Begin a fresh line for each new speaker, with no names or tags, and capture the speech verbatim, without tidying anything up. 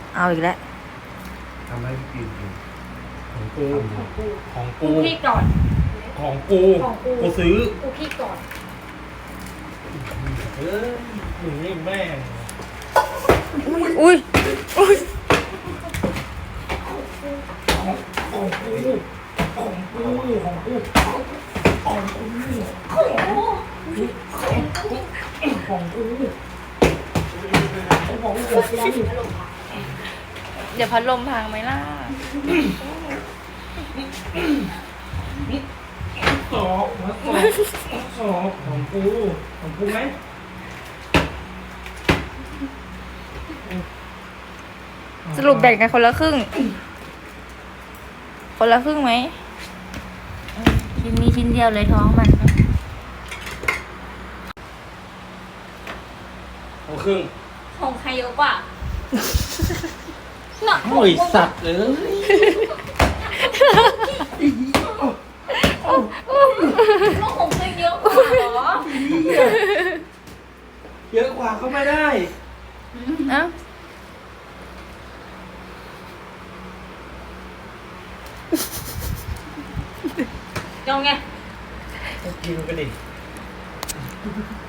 เอาอีกแล้ว
ทำให้พี่กิน
ของกูของ
กู
กู
พี่ก่อน
ของกู
ของกู
กูซื้อ
กูพี่ก่อน
เอ้ยมึงนี่แม่ง
อุ้ยอุ้ย
ของกูของกูของกูของกูของกู
เดี๋ยวพัดลมพังไหมล่ะ
สอบมาสอบสอบของกูของกูไหม
สรุปแบ่งกันคนละครึ่ง คนละครึ่งไหมชิ้นนี้ชิ้นเดียวเลยท้องมัน
ของครึ่ง
ของใครเยอะกว่าหนัก
โอ้ยสัตว์เลย
ต้องของใครเยอะกว่าเหรอ
เยอะกว่าก็ไม่ได้
เอ้า
ยองไง
กินกันดิ